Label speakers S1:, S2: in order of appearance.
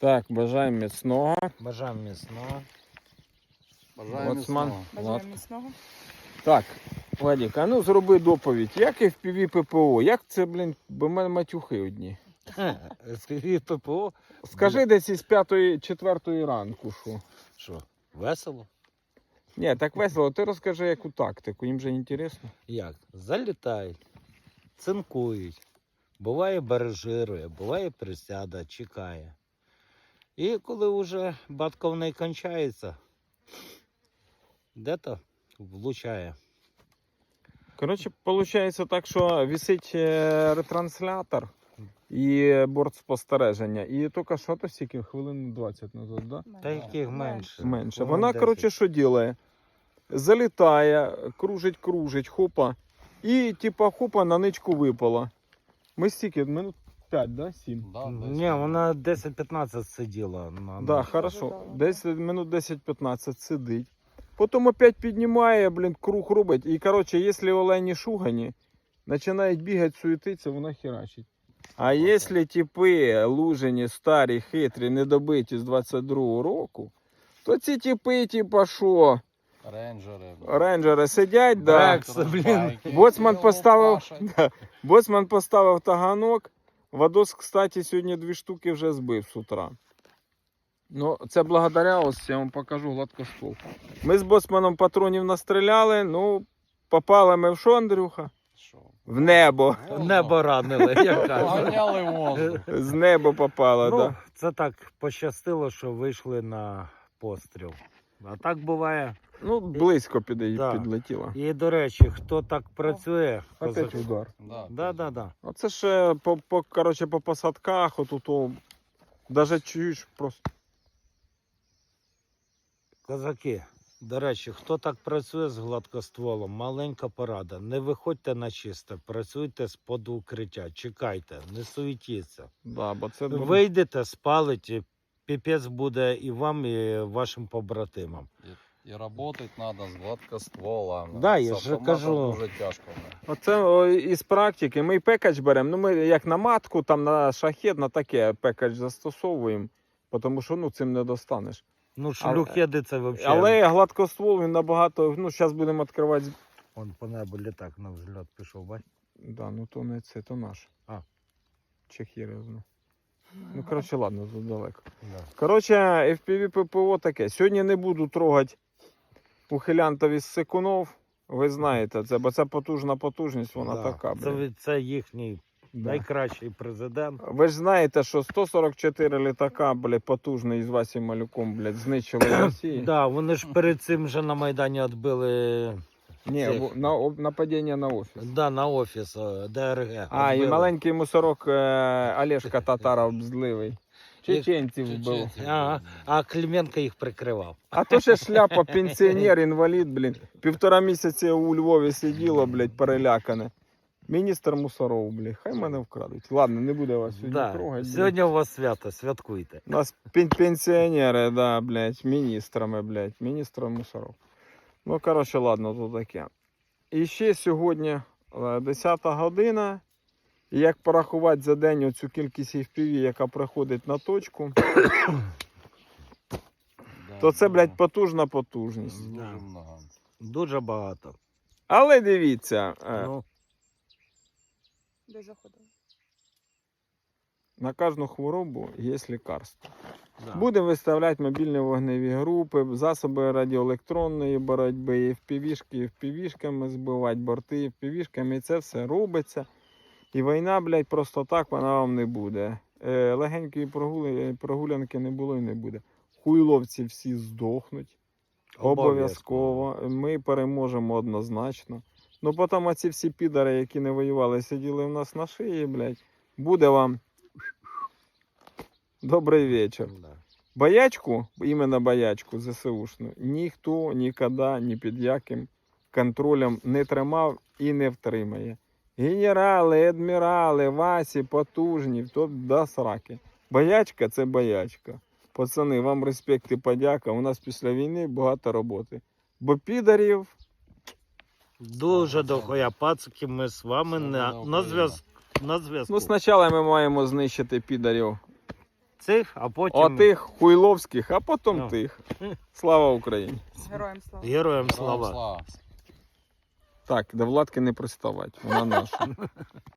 S1: Так, бажаємо міцного.
S2: Бажаємо міцного.
S1: Бажаємо міцного.
S3: Бажаємо міцного.
S1: Так, Владик, а ну зроби доповідь. Як FPV ППО? Як це, блін, бо в мене матюхи одні.
S2: FPV ППО.
S1: Скажи десь із 5-4 ранку, що?
S2: Що, весело?
S1: Ні, так весело. Ти розкажи яку тактику, їм же інтересно.
S2: Як? Залітають, цинкують. Буває баражирує, буває присяда, чекає. І коли вже батьковний кончається, де-то влучає.
S1: Коротше, виходить так, що висить ретранслятор і борт спостереження. І тільки що то стільки, хвилин 20 назад, да?
S2: Та яких менше.
S1: Менше.
S2: Хвилин
S1: Вона,
S2: 10.
S1: коротше, що робить? Залітає, кружить, хопа. І, типа, хопа, на ничку випала. Ми стільки, минут 5, да? 7?
S2: Ні, вона 10-15 сиділа.
S1: Да, хорошо. Десь минут 10-15 сидить. Потім опять піднімає, блін, круг робить. І, коротше, якщо олені шугані, починають бігати, суетитися, вона херачить. А якщо типи лужені, старі, хитрі, недобиті з 22-го року, то ці типи, типа, що? Рейнджери сидять, да. Боцман поставив таганок. Вадос, кстати, сьогодні 2 штуки вже збив з утра. Ну, це благодаря, ось я вам покажу гладкоствол. Ми з боцманом патронів настріляли, ну, попали ми в що, Андрюха? В небо.
S2: Небо ранили, як кажуть.
S1: З неба попало,
S2: Ну,
S1: да.
S2: це так пощастило, що вийшли на постріл. А так буває.
S1: Ну, близько
S2: Да.
S1: підлетіло.
S2: І, до речі, хто так працює,
S1: Опять удар.
S2: Да.
S1: Оце ще коротше, по посадках, отут, даже чуєш просто.
S2: Козаки, до речі, хто так працює з гладкостволом, маленька порада. Не виходьте на чисте, працюйте з-под укриття, чекайте, не суетіться.
S1: Да, бо це
S2: Вийдете, спалите, піпець буде і вам, і вашим побратимам.
S4: І працювати треба з гладкостволом.
S2: Да, я
S4: З
S2: ж
S4: автоматом
S2: кажу.
S4: дуже тяжко.
S1: Оце із практики. Ми пекач беремо, ну ми як на матку, там на шахет, на таке пекач застосовуємо, тому що ну, цим не достанеш.
S2: Ну, шлюхеди це взагалі.
S1: Але гладкоствол він набагато, ну зараз будемо відкривати.
S2: Вон по небу літак на взльот пішов, бач?
S1: Да, ну то не це, то наш.
S2: А.
S1: Чехірезно. Ну, коротше, ладно, тут далеко.
S2: Да.
S1: Коротше, FPV ППО таке. Сьогодні не буду трогати ухилянтів із Секунов. Ви знаєте це, бо це потужна потужність, вона
S2: Да.
S1: така. Блін.
S2: Це їхній
S1: Да.
S2: найкращий президент.
S1: Ви ж знаєте, що 144 літака, блядь, потужний із Васі Малюком, блядь, знищили в Росії.
S2: Да, вони ж перед цим вже на Майдані відбили.
S1: Ні,
S2: цих.
S1: нападіння на офіс.
S2: Да, на офіс ДРГ.
S1: А, і
S2: відбили.
S1: маленький мусорок Олешка Татаров зливий. Чеченців вбив.
S2: Ага, а Клименко їх прикривав.
S1: А то ще шляпа, пенсіонер, інвалід, блін. 1,5 місяці у Львові сиділо, блядь, перелякане. Міністр мусоров, блядь, хай мене вкрадуть. Ладно, не буде вас сьогодні
S2: Да.
S1: трогати.
S2: Сьогодні у вас свято, святкуйте.
S1: У нас пенсіонери, да, блядь, міністрами, блядь, міністр мусоров. Ну, коротше, ладно, то таке. І ще сьогодні 10 година. І як порахувати за день оцю кількість FPV, яка приходить на точку, то це, блядь, потужна потужність.
S4: Дуже
S2: Да.
S4: много.
S2: Дуже багато.
S1: Але дивіться,
S2: Ну,
S3: Де заходили?
S1: на кожну хворобу є лікарство.
S2: да.
S1: Будемо виставляти мобільні вогневі групи, засоби радіоелектронної боротьби, FPV-шки, FPV-шками збивати, борти FPV-шками, і це все робиться. І війна, блядь, просто так вона вам не буде. Легенької прогулянки не було і не буде. Хуйловці всі здохнуть. Обов'язково. Ми переможемо однозначно. Ну потім оці всі підари, які не воювали, сиділи в нас на шиї, блядь. Буде вам добрий вечір.
S2: Да.
S1: Боячку, іменно боячку ЗСУшну, ніхто ніколи ні під яким контролем не тримав і не втримає. Генерали, адмірали, Васі, потужні, то до сраки. Боячка – це боячка. Пацани, вам респект і подяка. У нас після війни багато роботи. Бо підарів...
S2: Дуже дохуя пацики, ми з вами на зв'язку.
S1: Ну, спочатку ми маємо знищити підарів
S2: цих, а потім
S1: Отих хуйловських, а потім
S2: Ну.
S1: тих. Слава Україні!
S3: Героям слава.
S2: героям
S4: Слава.
S2: слава.
S1: Так, до Владки не приставать, вона наша.